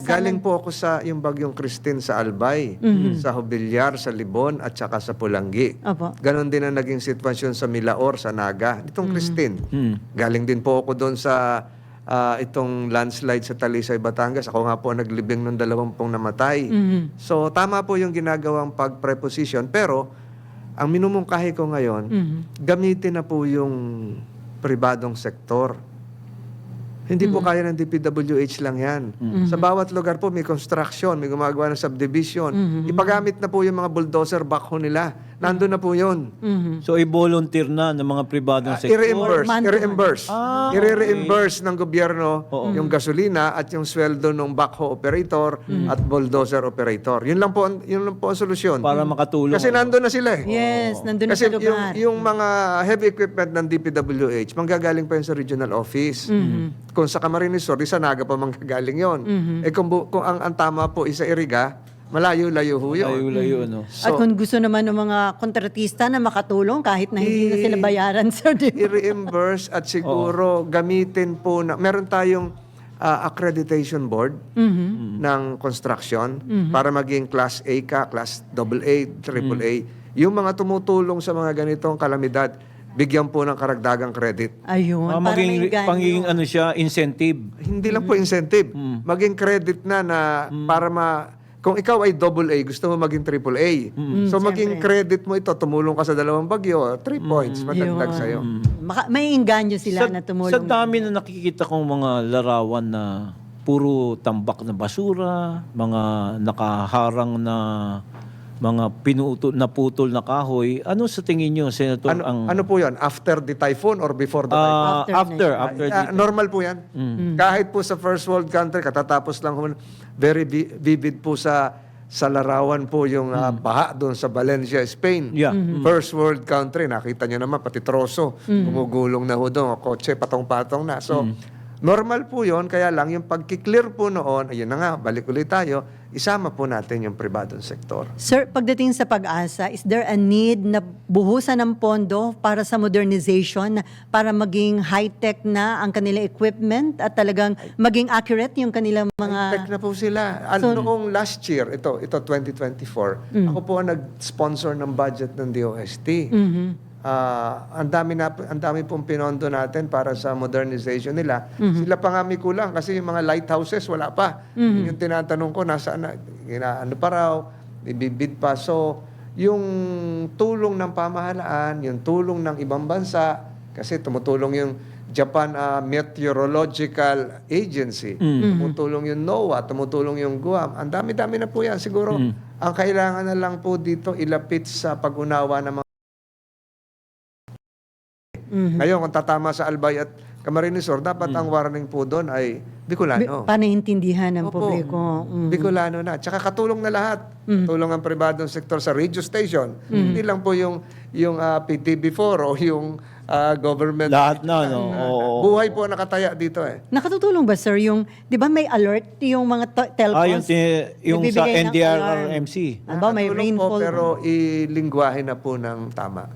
Galing po ako sa yung Bagyong Christine sa Albay, sa Hobilyar, sa Libon, at saka sa Pulangi. Opo. Ganon din ang naging sitwasyon sa Milaor, sa Naga. Itong Christine. Galing din po ako doon sa itong landslide sa Talisay, Batangas. Ako nga po ang naglibing ng 20 namatay. So, tama po yung ginagawang pag-preposition. Pero, ang minumungkahi ko ngayon, gamitin na po yung pribadong sektor. Hindi po kaya ng DPWH lang yan. Sa bawat lugar po may construction, may gumagawa ng subdivision. Ipagamit na po yung mga bulldozer backhoe nila. Nandun na po yun. So, i-volunteer na ng mga pribadong sektor. I-reimburse. I-reimburse ng gobyerno yung gasolina at yung sweldo ng backhoe operator at bulldozer operator. Yun lang po ang solusyon. Para makatulong. Kasi nandun na sila eh. Yes, nandun na Kasi sa lugar. yung mga heavy equipment ng DPWH, manggagaling pa yun sa regional office. Kung sa Camarines Sur, sa Naga pa manggagaling yun. Eh kung ang tama po isa Iriga, malayo-layo ho yun. Layo-layo, no? At kung gusto naman ng mga kontratista na makatulong kahit na hindi na sila bayaran, sir, di ba? I-reimburse at siguro gamitin po na, meron tayong accreditation board ng construction para maging Class A ka, Class AA, AAA. Yung mga tumutulong sa mga ganitong kalamidad, bigyan po ng karagdagang credit. Ayun, para may Panging ano siya, incentive. Hindi lang po incentive. Maging credit na para kung ikaw ay AA, gusto mo maging AAA. So maging credit mo ito, tumulong ka sa 2 bagyo, 3 points, madagdag sa'yo. May inganyo sila na tumulong. Sa dami na nakikita kong mga larawan na puro tambak na basura, mga nakaharang na mga naputol na kahoy. Ano sa tingin nyo, Senator? Ano po yan? After the typhoon or before the typhoon? After Normal po yan. Kahit po sa first world country, katatapos lang very vivid po sa larawan po yung baha doon sa Valencia, Spain. Yeah. First world country, nakita nyo naman, pati troso, gumugulong na ho doon, kotse, patong-patong na. So, normal po yon, kaya lang yung pagkiklear po noon, ayun na nga, balik ulit tayo, isama po natin yung pribadong sektor. Sir, pagdating sa Pag-asa, is there a need na buhusan ng pondo para sa modernization, para maging high-tech na ang kanilang equipment at talagang maging accurate yung kanilang mga... Tech na po sila. Noong last year, ito 2024, ako po ang nag-sponsor ng budget ng DOST. Ang dami pong pinondo natin para sa modernization nila. Sila pa nga may kulang kasi yung mga lighthouses wala pa. Yung tinatanong ko, nasaan na, ano pa raw, ibibid pa. So, yung tulong ng pamahalaan, yung tulong ng ibang bansa, kasi tumutulong yung Japan Meteorological Agency, tumutulong yung NOAA, tumutulong yung Guam. Ang dami-dami na po yan. Siguro, ang kailangan na lang po dito ilapit sa pag-unawa ng mga ngayon, kung tatama sa Albay at Camarines Sur, dapat ang warning po doon ay Bicolano. Panaintindihan ng Opo. publiko. Bicolano na. Tsaka katulong na lahat. Katulong ang pribadong sektor sa radio station. Hindi lang po yung PTV4 o yung government. Lahat na, no? Buhay po nakataya dito eh. Nakatutulong ba, sir, yung, di ba may alert yung mga telcos? Yung sa Nagbibigay ng NDRRMC. alarm. Aba, may Nakatulong po, rainfall. pero ilingwahe na po ng tama.